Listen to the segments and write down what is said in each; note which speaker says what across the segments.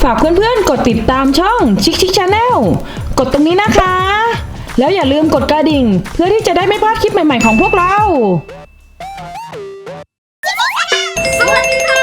Speaker 1: ฝากเพื่อนๆกดติดตามช่องชิคชิคชาแนลกดตรงนี้นะคะ แล้วอย่าลืมกดกระดิ่งเพื่อที่จะได้ไม่พลาดคลิปใหม่ๆของพวกเรา
Speaker 2: สวัสดีค่ะ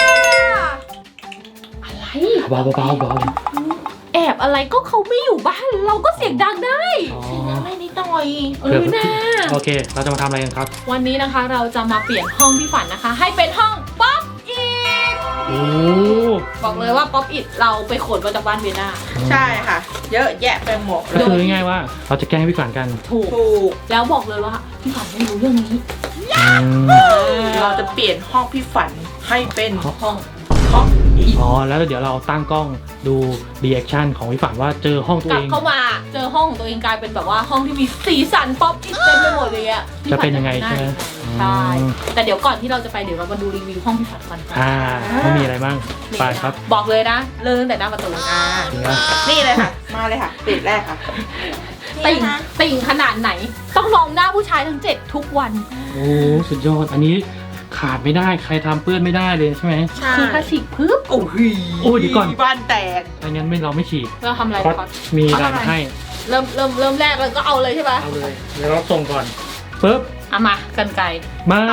Speaker 2: อะไร
Speaker 3: เบา
Speaker 2: แอบอะไรก็เขาไม่อยู่บ้านเราก็เสียงดังได้
Speaker 4: ไม่นิดหน่อย
Speaker 2: นะ
Speaker 3: โอเคเราจะมาทำอะไรกันครับ
Speaker 2: วันนี้นะคะเราจะมาเปลี่ยนห้องพี่ฝันนะคะให้เป็นห้องป๊อปอิทบอกเลยว่าป๊อปอิทเราไปขนมาจากบ้านเวียน่า
Speaker 4: ใช่ค่ะเยอะแยะไปหมด
Speaker 3: ก็คือง่ายๆว่าเราจะแกล้งพี่ฝันกัน
Speaker 2: ถูกแล้วบอกเลยว่าพี่ฝันไม่รู้เรื่องนี้
Speaker 4: เราจะเปลี่ยนห้องพี่ฝันให้เป็นห้อง
Speaker 3: อ๋อแล้วเดี๋ยวเราตั้งกล้องดูรีแอคชั่นของพี่ฝันว่าเจอห้องตัวเอง
Speaker 2: กลับเข้ามาเจอห้องของตัวเองกลายเป็นแบบว่าห้องที่มีสีสันป๊อปอิทเต็มไปหมดเลยอะ
Speaker 3: จะเป็นยังไงใช่ไหม
Speaker 2: ใช่แต่เดี๋ยวก่อนที่เราจะไปเดี๋ยวเรามาดูรีวิวห้องพี่ฝันก่อน
Speaker 3: ไม่มีอะไรบ้างไปครับ
Speaker 2: บอกเลยนะเริ่มตั้งแต่หน้าประตู
Speaker 4: นี่เลยค่ะมาเลยค่ะติดแรกค่ะ
Speaker 2: ติ่งขนาดไหนต้องมองหน้าผู้ชายทั้ง7ทุกวัน
Speaker 3: โอ้สุดยอดอันนี้ขาดไม่ได้ใครทำเปื้อนไม่ได้เลยใช่ไหม
Speaker 2: คือถ้าฉีกปึ๊บ
Speaker 4: โอ้ย
Speaker 3: เดี๋ยวก่อน
Speaker 4: บ้านแตก
Speaker 3: ไม่งั้นเราไม่ฉีก
Speaker 2: เราทำอะไรก่อน
Speaker 3: มีอะไรให้
Speaker 2: เริ่มแรกเราก็เอาเลยใช่ไหม
Speaker 3: เอาเลยเดี๋ยวเราส่งก่อนปึ๊บ
Speaker 2: เอามากันไก
Speaker 3: ไม่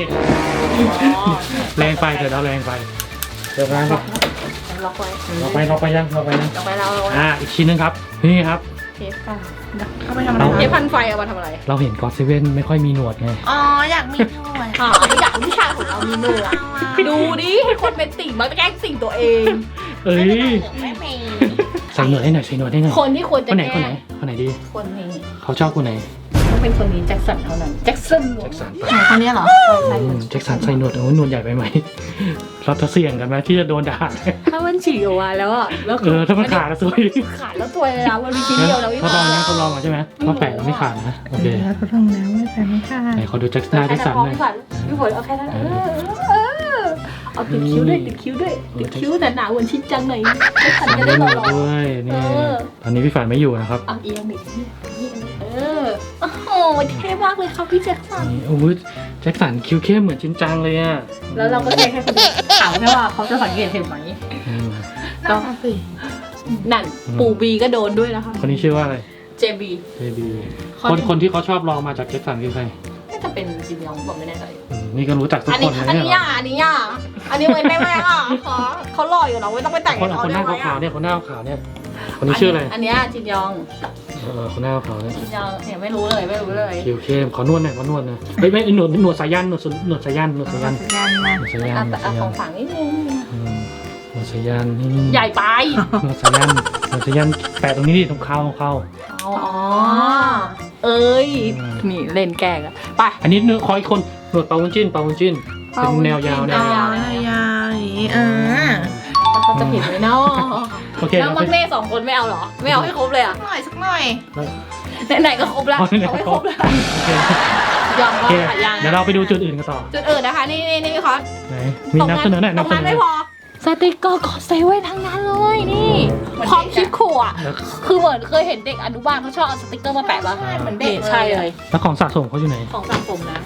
Speaker 3: แรงไปแต่เราแรงไปเดี๋ยวนะครับ
Speaker 2: ล็อกไว้
Speaker 3: เราไปยังอีกชิ้นนึงครับนี่ครับ
Speaker 2: เทปค่ะเขาไปทำอะไรเทปพันไฟเอามาทำอะไร
Speaker 3: เราเห็นก็อดเซเว่นไม่ค่อยมีหนวดไง
Speaker 4: อ๋ออยากมีหนวด
Speaker 2: อยากผู้ชายของเรามีหนวดดูดิให้คนเป็นติ่งมาแกล้งติ่งตัวเอง
Speaker 4: ไม่มี
Speaker 3: ใส่หนวดให้หน่อย
Speaker 2: คนที่ควรจะ
Speaker 3: คนไหนดี
Speaker 2: คนนี้
Speaker 3: เขาชอบคนไหน
Speaker 2: ต้องเป็นคนนี้แจ็คสันเท่านั้นแจ็คสัน
Speaker 4: คนนี้เหรอ
Speaker 3: แจ็คสันใส่หนวดหนวดใหญ่ไปไหมเราจะเสี่ยงกันไหมที่จะโดนด่า
Speaker 2: ถ้ามันฉีกออกมาแล้วอ่ะแล้ว
Speaker 3: ถ้ามันขาดแล้วสวย
Speaker 2: ขาดแล้วตัวเลยนะวันนี้ชิ้นเดียวแล้ว
Speaker 3: ทดลองนะใช่ไหมต้องแปะแล้วไม่ขาดนะโอเค
Speaker 4: ทดลองแล้วไม่แปะไม่ขาด
Speaker 3: ไหนขอดูแจ็คสันหน่อย
Speaker 2: พี่ฝนเอาแค่นั้นเอาติดคิ้วด้วยติดคิ้วแต่หนาเหมือนชิ้นจังหน่อยฝันก็ได้หล่อ
Speaker 3: ด้วยนี่ตอนนี้พี่ฝันไม่อยู่นะครับ
Speaker 2: เอียงดิโอ้โหเท่มากเลยครับพี่แจ็คสัน
Speaker 3: โอ้ยแจ็คสันคิ้วเข้มเหมือนชิ้นจังเลยอ่ะ
Speaker 2: แล้วเราก็แค่คนถามแค่ว่าเขาจะสังเกตเห็นไหม
Speaker 4: ก็
Speaker 2: นั่นปู่บีก็โดนด้วยนะคะ
Speaker 3: คนนี้ชื่อว่าอะไร
Speaker 2: เจบี
Speaker 3: คนที่เขาชอบลองมาจากแจ็คสันคือใคร
Speaker 2: น่าจะเป็นจิมยองบอกไม่แน่ใจ
Speaker 3: นี่ก็รู้จักทุกคนเลย
Speaker 2: อันนี้เหมือนแม่ค่ะเขาหล่ออยู่นะไม่ต้องไปแต่ง
Speaker 3: คนหน้าขาวเนี่ยคนหน้าขาวเนี่ยคนนี้ชื่ออะไร
Speaker 2: อันนี้จิมยอง
Speaker 3: คนหน้าขาวเนี่ย
Speaker 2: จิมยองเนี่ยไม่รู้เลย
Speaker 3: คิวเข้มขอนวดหน่อยนะไม่หนวดสายันหนวดสายัน
Speaker 2: ของฝังนิดนึง
Speaker 3: หนวดสายันนี่
Speaker 2: ใหญ่ไป
Speaker 3: หนวดสายันแปะตรงนี้ดิตรงเข้า
Speaker 2: เอ้ยนี่เล่นแกงอะไป
Speaker 3: อันนี้ขออีกคนหนวดเปาวุ้นจิ้นเป็นแนวยาว
Speaker 4: อย่างนี้
Speaker 2: เขาจะผิดไหมเนาะแล้วมักเน่2คนไม่เอาหรอไม่เอาให้ครบเลยอ่ะ
Speaker 4: สักหน่อย
Speaker 2: ไหนก็ครบแล้วเอาให้ครบแล้วยอมว่ายัง
Speaker 3: เดี๋ยวเราไปดูจุดอื่นกันต่อ
Speaker 2: จุดอื่นนะคะนี่คอส
Speaker 3: มีนับเสนอหน่อยนับเสนอ
Speaker 2: ไม่พอสติกเกอร์ก็เซเว่นทั้งนั้นเลยนี่ความคิดขู่อ่ะคือเหมือนเคยเห็นเด็กอนุบาลเขาชอบเอาสติกเกอร์มาแปะป่ะ
Speaker 4: เหมือนเด็ก
Speaker 2: ใช่เลย
Speaker 3: แล้วของสะสมเขาอยู่ไหน
Speaker 2: ของสะสมนะ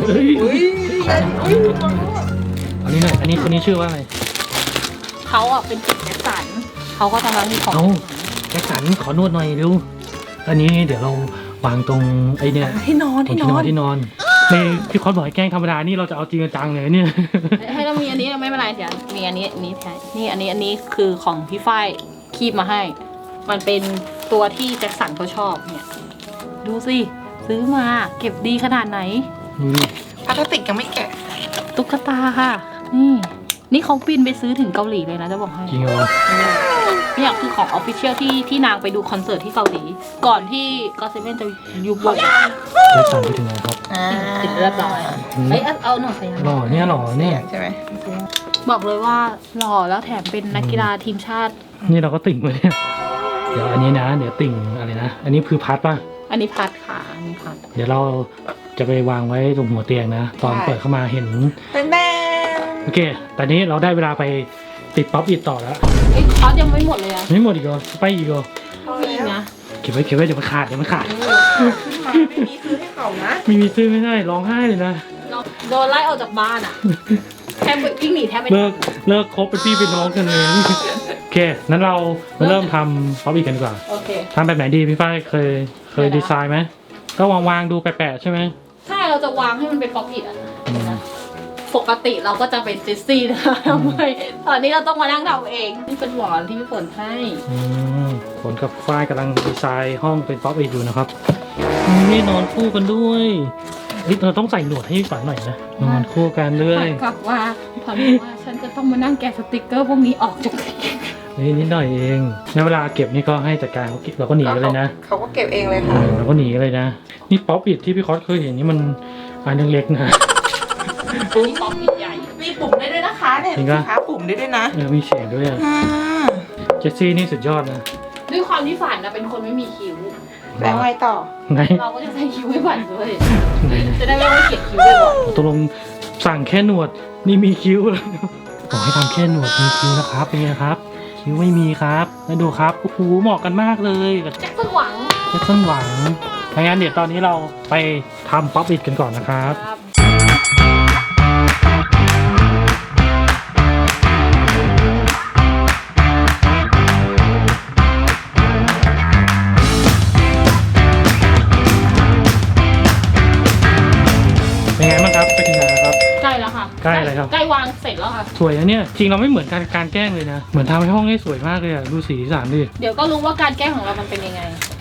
Speaker 3: อันนี้หน่อยอันนี้คนนี้ชื่อว่าอะไร
Speaker 2: เขาอ่ะเป็นจิตแจ็คสันเขาก็ทำร้านของ
Speaker 3: แจ็คสันขอนวดหน่อยเร็วอันนี้เดี๋ยวเราวางตรงไอ้เนี่ย
Speaker 4: ที่นอน
Speaker 3: ในพี่คอสบอกให้แกล้งธรรมดานี่เราจะเอาจริงจังเลยเนี่ย
Speaker 2: ให้เรามีอันนี้ไม่เป็นไรเดี๋ยวมีอันนี้แทนนี่อันนี้คือของพี่ฝ้ายคีบมาให้มันเป็นตัวที่แจ็คสันเขาชอบเนี่ยดูสิซื้อมาเก็บดีขนาดไหน
Speaker 4: พลาสติกยังไม่แกะ
Speaker 2: ตุ๊กตาค่ะนี่เขาบินไปซื้อถึงเกาหลีเลยนะจะบอกให้
Speaker 3: จริงเหรอ
Speaker 2: เนี่ยคือของออฟฟิเชียลที่นางไปดูคอนเสิร์ตที่เกาหลีก่อนที่ก็เซเว่นจะยุบวง
Speaker 3: แจ็คสันไปถึงไหนครับ
Speaker 2: ติดเรียบร้อยเอาหน่อยใส่
Speaker 3: หล่อเนี่ย
Speaker 4: ใช่ไหม
Speaker 2: บอกเลยว่าหล่อแล้วแถมเป็นนักกีฬาทีมชาติ
Speaker 3: นี่เราก็ติ่งเลยเดี๋ยวอันนี้นะเดี๋ยวติ่งอะไรนะอันนี้คือพัดป่ะ
Speaker 2: อันนี้พัดค่ะอันนี้พัด
Speaker 3: เดี๋ยวเราจะไปวางไว้ตรงหัวเตียงนะตอนเปิดเข้ามาเห็นโอเคตอนนี้เราได้เวลาไปติดป๊อปอิทต่อแล้ว
Speaker 2: คอสยังไม่หมดเลยอะ
Speaker 3: ไม่หมดอีกเหรอไปอีกเหรอ
Speaker 2: มีนะ
Speaker 3: เก็บไว้เดี๋ยวมันขาด
Speaker 4: ไม่มีซื้อให้เขานะ
Speaker 3: ไม่มีซื้อไม่ได้ร้องไห้เลยนะ
Speaker 2: โดนไล่ออกจากบ้านอะแทบวิ่งหนีแทบไม่
Speaker 3: เลิกคบเป็นพี่เป็นน้องกันเลยโอเคเคนั้นเรามาเริ่มทำป๊อปอิทกันดีกว่า
Speaker 2: โอเค
Speaker 3: ทำแบบไหนดีพี่ฝ้ายเคยดีไซน์ไหมก็วางดูแปะๆใช่ไหม
Speaker 2: ใช่เราจะวางให้มันเป็นป๊อปอิทอ่ะนะปกติเราก็จะเป็นเจสซี่นะทำไมตอนนี้เราต้องมานั่งทำเองนี่เป็นหมอนที่พี่ฝนให้
Speaker 3: ฝนกับฝ้ายกำลังดีไซน์ห้องเป็นป๊อปอิทอยู่นะครับนี่นอนคู่กันด้วยเราต้องใส่หนวดให้พี่ฝันหน่อยนะนอนคู่กันเลย
Speaker 2: กลับว่าพอรู้ว่าฉันจะต้องมานั่งแกะสติกเกอร์พวกนี้ออกจาก
Speaker 3: นี่นิดหน่อยเองในเวลาเก็บนี่ก็ให้จัดการเขาเก็บเราก็หนีกันเลยนะ
Speaker 4: เขาก็เก็บเองเลยค่ะ
Speaker 3: เราก็หนีกันเลยนะนี่ป๊อปอิทที่พี่คอสเคยเห็นนี่มันอันเล็กๆนะ
Speaker 2: นี่ป๊อปอิทใหญ่
Speaker 4: มีปุ่มได้ด้วยนะคะเนี่ย
Speaker 3: จริง
Speaker 4: สิ
Speaker 3: ปะ
Speaker 4: คะปุ่มได้ด้วยนะ
Speaker 3: มีเสียงด้วยอะเจสซี่นี่สุดยอดนะ
Speaker 2: ด้วยความที่ฝันนะเป็นคนไม่มีคิ้ว
Speaker 4: แล้วไงต่อ
Speaker 3: ไหน
Speaker 2: เราก็จะใช้คิ้วให้ฝันด้วย
Speaker 3: ไหน
Speaker 2: จะได้ไม่ต้องเขียนคิ้วบ่อย
Speaker 3: ตกลงสั่งแค่หนวดนี่มีคิ้วแล้วบอกให้ทำแค่หนวดมีคิ้วนะครับเป็นไงครับ คิ้วไม่มีครับแล้วดูครับโอ้โหเหมาะกันมากเลยกับ
Speaker 2: ๆแจ็คสันหวัง
Speaker 3: แจ็คสันหวังงั้นเดี๋ยวตอนนี้เราไปทำป๊อปอิทกันก่อนนะครับ
Speaker 2: ครับ
Speaker 3: เป็นไงบ้างครับไปถึงไหนแล้วครับ
Speaker 2: ใกล้แล้วค่ะ
Speaker 3: ใกล้อะไรครับ
Speaker 2: ใกล้วางเสร็จแล้วค่ะ
Speaker 3: สวยนะเนี่ยจริงเราไม่เหมือนการแกล้งเลยนะเหมือนทำให้ห้องให้สวยมากเลยอะดูสีสันดิ
Speaker 2: เดี๋ยวก็รู้ว่าการแก้ของเรามันเป็นยังไง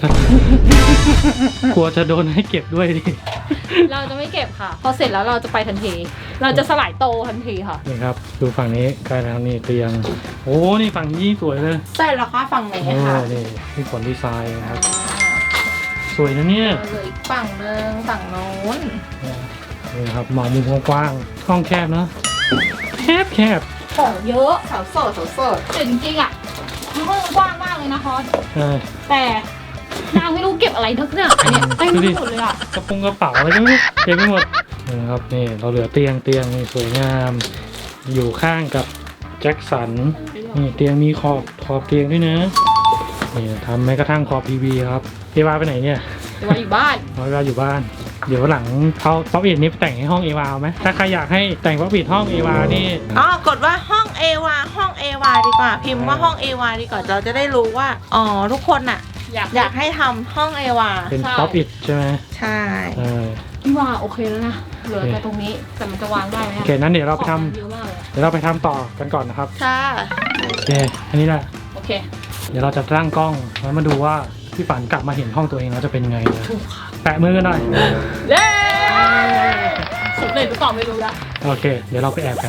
Speaker 3: กลัวจะโดนให้เก็บด้วยดิ
Speaker 2: เราจะไม่เก็บค่ะ พอเสร็จแล้วเราจะไปทันที เราจะสลายโตทันทีค่ะ
Speaker 3: นี่ครับดูฝั่งนี้ใกล้แล้วนี่เตียงโอ้นี่ฝั่งนี้สวยเลย
Speaker 4: ใช่แล้วค่ะฝั่งไหน
Speaker 3: โอ้
Speaker 4: คะ
Speaker 3: นี่มีผลดีไซน์นะครับสวยนะเนี่ย
Speaker 4: เหลืออีกฝั่งนึงฝั่งโน้น
Speaker 3: นี่ครับมองมุมกว้างๆห้องแคบเนอะแคบ
Speaker 2: ของเยอะ
Speaker 4: สาวโสดสาวโสด
Speaker 2: แต่จริงๆอ่ะห้องกว้างมากเลยนะคอส แต่นางไม่รู้เก็บอะไรทั้งเนี่ยอันเนี้ยเต็มไปหมดเลยอ่ะ
Speaker 3: กระเป๋าอะไรก็ไม่รู้เต็มไปหมดนะครับนี่เราเหลือเตียงนี่สวยงาม อยู่ข้างกับแจ็คสันนี่เตียงมีขอบเตียงด้วยนะนี่ทำแม้กระทั่งขอบ PV ครับเอวาไปไหนเนี่ย
Speaker 2: แต่ว่าอยู่บ้าน
Speaker 3: เอวาอยู่บ้าน เดี๋ยวหลังเขาป๊อปอิทนี้ไปแต่งให้ห้องเอวาไหมถ้าใครอยากให้แต่งป๊อปอิทห้องเอวานี่
Speaker 4: อ๋อกดว่าห้องเอวาห้องเอวาดีกว่า พิมพ์ว่าห้องเอวาดีกว่าเราจะได้รู้ว่าอ๋อทุกคนน่ะ อยากให้ทำห้องเอวา
Speaker 3: เป็นป๊อปอิทใช่ไหม
Speaker 4: ใช่
Speaker 3: เออ
Speaker 2: พี่ว่าโอเคแล้วนะ เหลือแต่ตรงนี้ แต่มันจะวางได้ไหม
Speaker 3: โอเคนั้นเดี๋ยวเราไปทำ
Speaker 2: ของมันเยอะมากเลย
Speaker 3: เดี๋ยวเราไปทำต่อกันก่อนนะครับ
Speaker 4: ค่ะ
Speaker 3: โอเคอันนี้แหละ
Speaker 2: โอเค
Speaker 3: เดี๋ยวเราจะตั้งกล้องแล้วมาดูว่าพี่ฝันกลับมาเห็นห้องตัวเองแล้วจะเป็นยังไงนะแปะมือกันหน่อย
Speaker 2: เย้สำเร็จหรือเปล่าไม่รู้นะ
Speaker 3: โอเค เดี๋ยวเราไปแอบกัน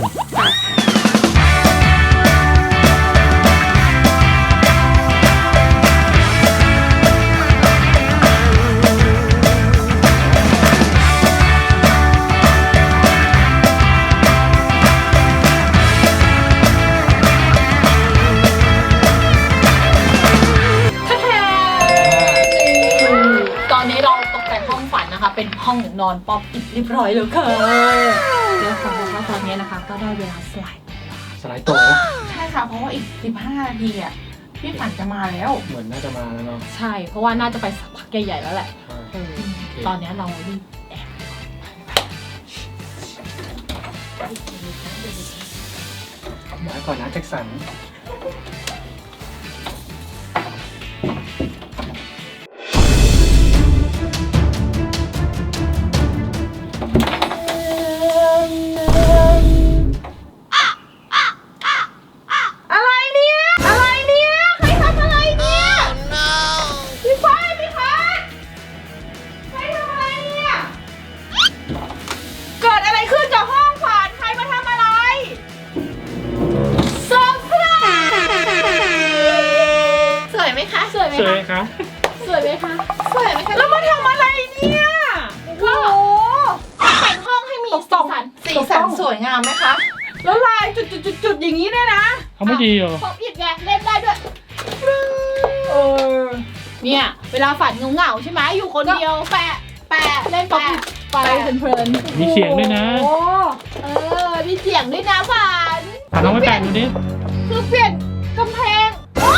Speaker 2: ตอนนี้เราตกแต่งห้องฝันนะคะ เป็นห้องนอนป๊อปอิดเรียบร้อยแล้วค่ะเดี๋ยวขอบอกว่าตอนนี้นะคะ ก็ได้เวลาสไลด์
Speaker 3: สไลด์โตะ
Speaker 4: ใช่ค่ะเพราะว่าอีก15 นาทีอ่ะพี่ฝันจะมาแล้ว
Speaker 3: เหมือนน่าจะมาแล้วเนาะ
Speaker 2: ใช่ เพราะว่าน่าจะไปสักพักใหญ่ๆแล้วแหละตอนนี้เรารีบแอบ
Speaker 3: มาก่อนนะแจ็คสัน
Speaker 2: สวยไหม
Speaker 3: สวย
Speaker 2: คะ
Speaker 3: คะ
Speaker 2: สวยไหมคะ
Speaker 4: สวยไหมคะ
Speaker 2: แล้วมาทำอะไรเนี่ยก็แต่งห้องให้มีสีสัน
Speaker 4: สีสันสวยงามไหมคะ
Speaker 2: แล้วลายจุดๆๆอย่างนี้เนี่ยนะ
Speaker 3: เขาไม่ดีเหรอ
Speaker 2: ป๊อปอิดไงเล่นได้ด้วยเนี่ยเวลาฝันเหงาๆใช่ไหมอยู่คนเดียวแปะเล่นป๊อปอิดไปเพลินๆ
Speaker 3: มีเสียงด้วยนะ
Speaker 2: มีเสียงด้วยนะฝัน
Speaker 3: ฝันลองไปแปะดูดิ
Speaker 2: คือเปลี่ยนกำแพง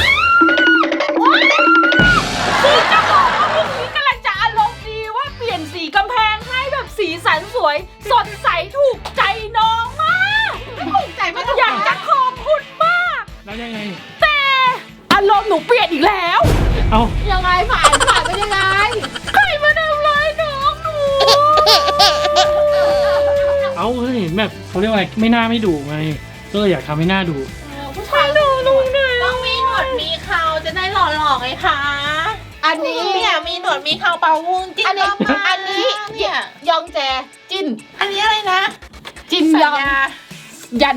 Speaker 2: คือจะบอกว่าพวกนี้กำลังจะอารมณ์ดีว่าเปลี่ยนสีกำแพงให้แบบสีสันสวย สดใสถูกใจน้องมากถูกใจไม่อยากจะขอบคุณมาก
Speaker 3: แล้วยังไง
Speaker 2: แต่โลกหนูเปลี่ยนอีกแล้ว
Speaker 3: เอา
Speaker 2: ยังไงผ่านไปยังไงใครมาทำร้ายน้องหนู
Speaker 3: เอาเห็นแบบเขาเรียกว่าอะไรไม่น่าไม่ดุไงก็เลยอยากทำให้หน้าดุ
Speaker 2: ผู้ชายดูลุงเนี่ย
Speaker 4: ต้องมีหนวดมีเขาจะได้หล่อๆไงคะ
Speaker 2: อันนี้
Speaker 4: เนี่ยมีหนวดมีเขาเป่าวุ้งจิ้น
Speaker 2: อันนี้
Speaker 4: ก็มา
Speaker 2: อันนี้
Speaker 4: เนี่ย
Speaker 2: ยองแจจิน
Speaker 4: อันนี้อะไรนะ
Speaker 2: จิน
Speaker 4: สัญ
Speaker 2: ยอง
Speaker 4: ญา
Speaker 2: ยัน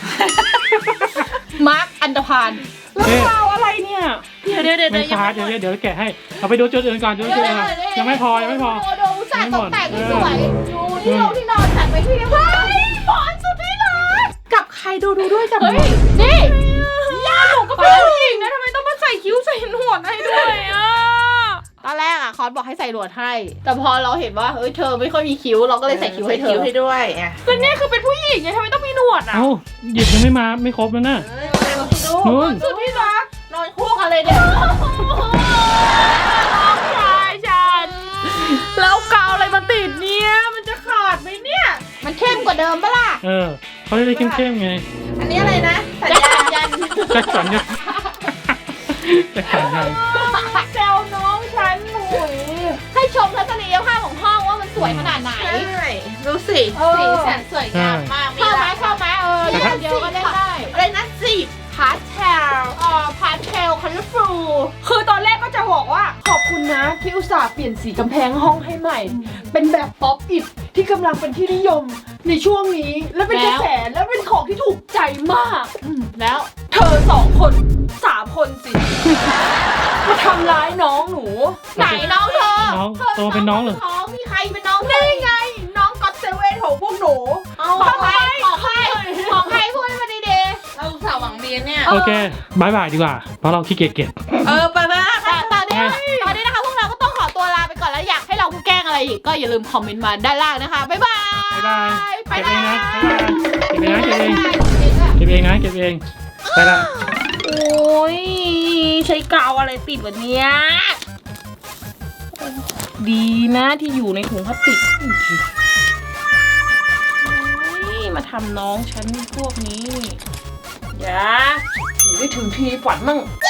Speaker 2: มาร์คอันดพาน
Speaker 1: แล้วเราอะไรเนี่ย
Speaker 4: เดี๋ยว
Speaker 3: ไม่พาเดี๋ยวแกะให้เอาไปดูจุดอื่นก่อนจุดอื่นก่อนยังไม่พอ
Speaker 2: ดูอุตส่าห์ตกแต่งให้สวยดูที่เราที่นอนจัดไปที่เรียบร้อยหมอนสุดที่รัก
Speaker 4: กับใครดูด้วยจับ
Speaker 2: เฮ้ยนี่ย่าหนูก็เป็นผู้หญิงนะทำไมต้องมาใส่คิ้วใส่หนวดให้ด้วยอ่ะตอนแรกอ่ะคอนบอกให้ใส่หนวดให้ แต่พอเราเห็นว่าเฮ้ยเธอไม่ค่อยมีคิ้วเราก็เลยใส่คิ้วให้เธอ
Speaker 4: ให้ด้วยอ่ะ
Speaker 2: แล้วเนี่ยคือเป็นผู้หญิงไงทำไมต้องมีหนวดอ่ะ
Speaker 3: เอ้าหยิบยังไม่มาไม่ครบแล้วนะ
Speaker 4: ดู
Speaker 3: นู่น
Speaker 2: สุดที่รัก
Speaker 4: นอนคู่กันเลยเนี่ย
Speaker 2: น้องชายฉันแล้วกาวอะไรมาติดเนี่ยมันจะขาดไหมเนี่ย มันเข้มกว่าเดิมปะล่ะ
Speaker 3: เขาจะได้เข้มๆไง
Speaker 4: อันนี้อะไรนะสัญ
Speaker 2: จะ
Speaker 4: ญา
Speaker 2: ยัน
Speaker 3: แจ็คสันยังแจ็คสันยัง
Speaker 2: แซวน้องฉันหนุ่ยให้ชมทัศนียภาพของห้องว่ามันสวยขนาดไหน
Speaker 4: ใช่ดูสิ
Speaker 2: สี
Speaker 4: สันสวยงามมาก
Speaker 2: ชอบไหมชอบไหมอย่างเดียวก็เล่นได้
Speaker 4: อะไรนะสิพาสเทล
Speaker 2: พาสเทลคัลเลอร์ฟู
Speaker 1: คือตอนแรกก็จะบอกว่าขอบคุณนะที่อุตส่าห์เปลี่ยนสีกำแพงห้องให้ใหม่ เป็นแบบป๊อปอิทที่กำลังเป็นที่นิยมในช่วงนี้ และเป็นกระแสและเป็นของที่ถูกใจมาก
Speaker 2: แล้ว
Speaker 1: เธอ2 คน3 คนสิ มาทำร้ายน้องหนู
Speaker 2: ไหนน้องเธอ
Speaker 3: น้องโตเป็นน้องเหรอ
Speaker 2: น้องมีใครเป็นน้อง
Speaker 1: นี่ไง น้องก็อตเซเว่นของพวกหนู
Speaker 2: ของใครของใครของใครพูดให้มันดี
Speaker 4: เราอุตส่าห์หวังดีเนี่ย
Speaker 3: โอเคบายบายดีกว่าเพราะเราขี้เกียจเก็บ
Speaker 4: ไป
Speaker 2: ๆตอนนี้นะคะพวกเราก็ต้องขอตัวลาไปก่อนแล้วอยากให้เราแกล้งอะไรอีกก็อย่าลืมคอมเมนต์มาด้านล่างนะคะบ๊ายบาย
Speaker 3: บ๊ายบาย
Speaker 2: ไป
Speaker 3: เก็บ
Speaker 2: แล้
Speaker 3: เอง
Speaker 2: ว
Speaker 3: นะเก็บเองนะเก็บเองไปละ
Speaker 2: โอ้ยใช้กาวอะไรติดวันนี้ดีนะที่อยู่ในถุงพลาสติกนี่มาทำน้องฉันพวกนี้อย่า
Speaker 1: หนูได้ถึงทีฝันมั่ง